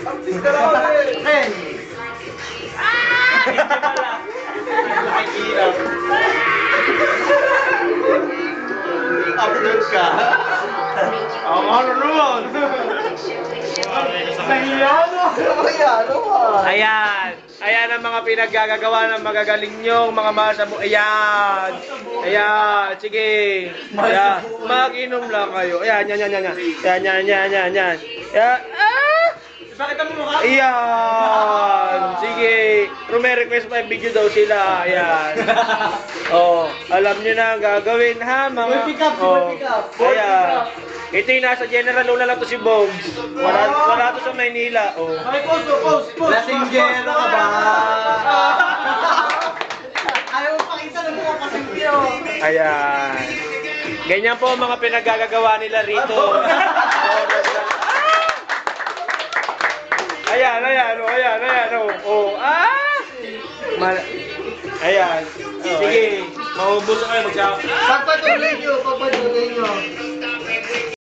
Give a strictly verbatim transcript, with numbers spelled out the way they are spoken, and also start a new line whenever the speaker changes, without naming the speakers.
Artista na ako eh.
Hey!
Hindi pala. Nakikita. Upload ka.
Ang ano naman? Nahiyano! Nahiyano ah!
Ayan. Ayan ang mga pinaggagawa ng magagaling nyong mga masabu. Ayan. Ayan. Sige. Ayan. Mag-inom lang kayo. Ayan, yan, yan, yan, yan. Yan, yan, yan, yan, yan. Ayan. Ah!
Bakit ang mukha?
Ayan. Sige. Kung may request pa, video daw sila. Ayan. Oh, alam niyo na ang gagawin ha, mga...
Boy pick up, boy pick up. Boy pick
Ayan.
up.
Ito yung nasa General Luna lang to si Bogs. Wala, wala to sa Maynila. Oh.
Okay, pause, pause, pause. Lasinggero ka ba? Ayaw mo pakita ng mukha kasi piyo.
Ayan. Ganyan po ang mga pinaggagawa nila rito. Ayan, ayan, oh, ayan, ayan, oh. Oh, ah! Mal ayan. Sige, maubos na kayo, magsa...
Pagpatuloy nyo, pagpatuloy nyo.